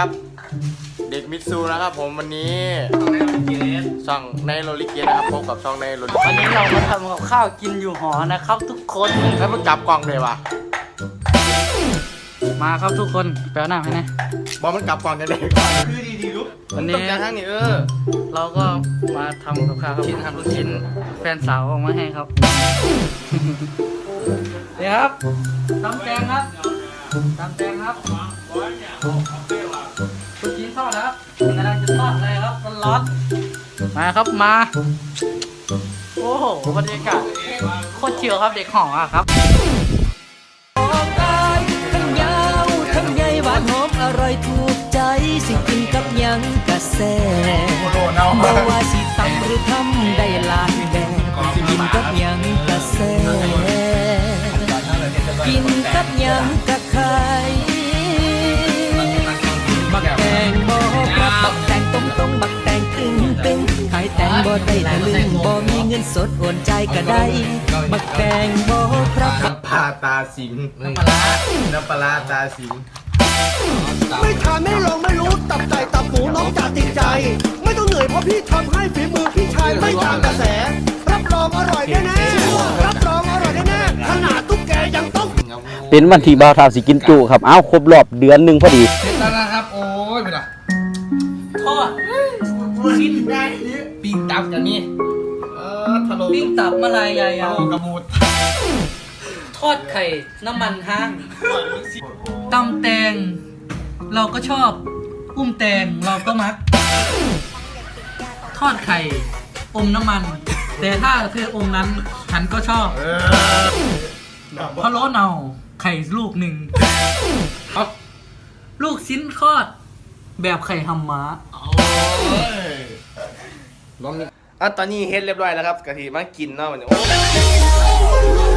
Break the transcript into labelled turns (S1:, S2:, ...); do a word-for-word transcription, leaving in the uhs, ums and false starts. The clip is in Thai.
S1: ครับเด็กมิตซูนะครับผมวันนี้ช่องในโรลิเกตนะครับพบกับช่องในโรลิเกต
S2: วันนี้เรามาทำกับข้าวกินอยู่หอนะครับทุกคน
S1: แล้วมึงจับกล่องเลยวะ
S2: มาครับทุกคนแปลหน้าให้นะ
S1: บอกมันกลับกล่องกันเลยคือดีดีลุก
S2: วันนี้
S1: ต้องการทั้งนี้เออ
S2: เราก็มาทำกับข้าวครับชิ้นทำลูกชิ้นแฟนสาวเอามาให้ครับเดี๋ยวครับตำแตงครับตำแตงครับลูกชิ้นทอดครับกำลังจะทอดเลยครับร้อนๆมาครับมาโอ้โหบรรยากาศโคตรชิลครับเด็กหออะครับ
S3: ทั้งยาวทั้งใหญ่หวานหอมอร่อยถูกใจสิกินกับหยังกะแซ่บ่ว่าสิตำหรือทำได้หลายแบบกินกับหยังกะแซ่กินกับหยังกะไข่บักแตงบ่ครับบักแตงต้มต้มบักแตงตึงตึงขายแตงบ่ได้ตะลึงบ่มีเงินสดโอนใจก็ได้บักแตงบ่ครับ
S1: น้ำปลาตาสิงน้ำปลาน้ำปลาตาสิง
S4: ไม่ทานไม่ลองไม่รู้ตับไก่ตับหมูน้องจะติดใจ ไม่ต้องเหนื่อยเพราะพี่ทำให้ฝีมือพี่ชายไม่ตามกระแส รับรองอร่อยแน่ๆรับรองอร่อยแน่ๆขนาดตุ๊กแกยังต้อง
S5: เป็นวันที่บ่าวเฒ่าสิกินจุครับอ้าวครบรอบเดือนหนึ่งพอดี
S1: เสร็จแล้วนะครับโอ้ยไปละ
S2: ทอดชิ้น
S1: ปิ้งตับกันนี่เออทะลุ
S2: ปิ้งตับมะลายยาย
S1: ทะ
S2: ยาว
S1: ลุกระมูด
S2: ทอดไข่น้ำมันห้างตำแตงเราก็ชอบอุ้มแตงเราก็มัก ทอดไข่อมน้ำมัน แต่ถ้าเธออมนั้นฉันก็ชอบพะโล้เนาไข่ลูกหนึ่งลูกชิ้นทอดแบบไข่ฮัมม้า
S1: ล้อมนี่อ่ะตอนนี้เฮ็ดเรียบร้อยแล้วครับกะทิมากินเนาะวันนี้